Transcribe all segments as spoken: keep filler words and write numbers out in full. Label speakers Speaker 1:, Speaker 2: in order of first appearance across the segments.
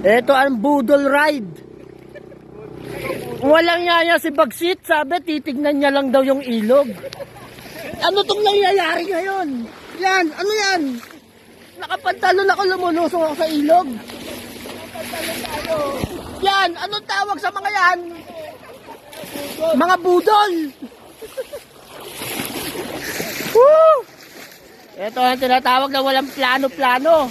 Speaker 1: Ito ang Budol Ride. Walang yaya si Bagsit, sabi titignan niya lang daw yung ilog. Ano tong nangyayari ngayon? Yan, ano yan? Nakapantalon ako, lumulusong ako sa ilog. Yan, anong tawag sa mga yan? Mga budol. Woo! Ito ang tinatawag na walang plano-plano.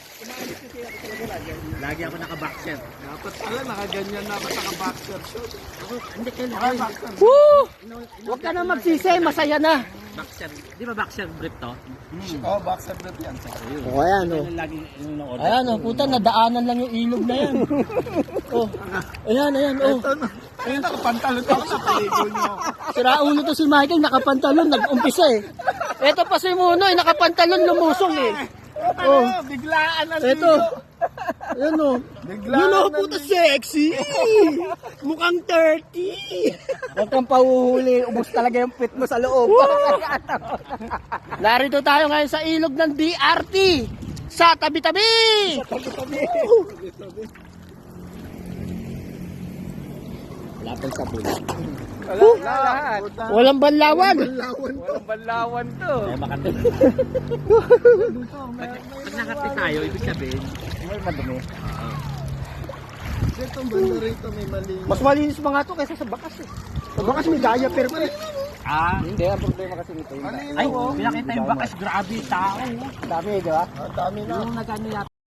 Speaker 2: Lagi ako naka-boxer.
Speaker 3: Dapat pala nakaganyan na ako naka-boxer short.
Speaker 2: Ako, hindi kayo naka
Speaker 1: Woo! Huwag ka na magsisi, masaya na.
Speaker 2: boxer. Di ba boxer brief to?
Speaker 3: Oo, boxer na yan.
Speaker 1: O ayan o.
Speaker 2: Yung lagi yung na-order.
Speaker 1: Ayan o, puta, nadaanan lang yung ilog na yan. Oh, ayan, ayan, oh.
Speaker 3: Ito na. Ayun, nakapantalon ako sa paligo nyo.
Speaker 1: Siraulo to si Michael, nakapantalon, nag-umpisa eh. Ito pa si Muno, eh, nakapantalon, lumusong eh.
Speaker 3: Oh, biglaan ang
Speaker 1: Ito.
Speaker 3: ligo.
Speaker 1: Ayan o.
Speaker 3: Biglaan
Speaker 1: Yun o,
Speaker 3: ang
Speaker 1: puta, sexy. Mukhang thirty. Huwag kang pahuhuli, ubos talaga yung pit mo sa loob. Narito tayo ngayon sa ilog ng D R T. Sa tabi-tabi. Wala pang sabon.
Speaker 3: Wala, lahat.
Speaker 1: Walang banlawan.
Speaker 3: Banlawan to. Banlawan to.
Speaker 2: Ay, makati. Pag nakati tayo, ibig sabihin, may madumi.
Speaker 3: Itong banda rito may mali.
Speaker 1: Mas malinis pa nga to kaysa sa bakas eh. Sa bakas may gaya pero
Speaker 2: Ah,
Speaker 1: hindi, ang problema kasi nito yun.
Speaker 3: Malinaw
Speaker 2: ay,
Speaker 3: oh.
Speaker 2: pinakita yung bakas, grabe, tao.
Speaker 1: Dami, di ba?
Speaker 3: Ang dami na.
Speaker 2: Yung nag-ano yata.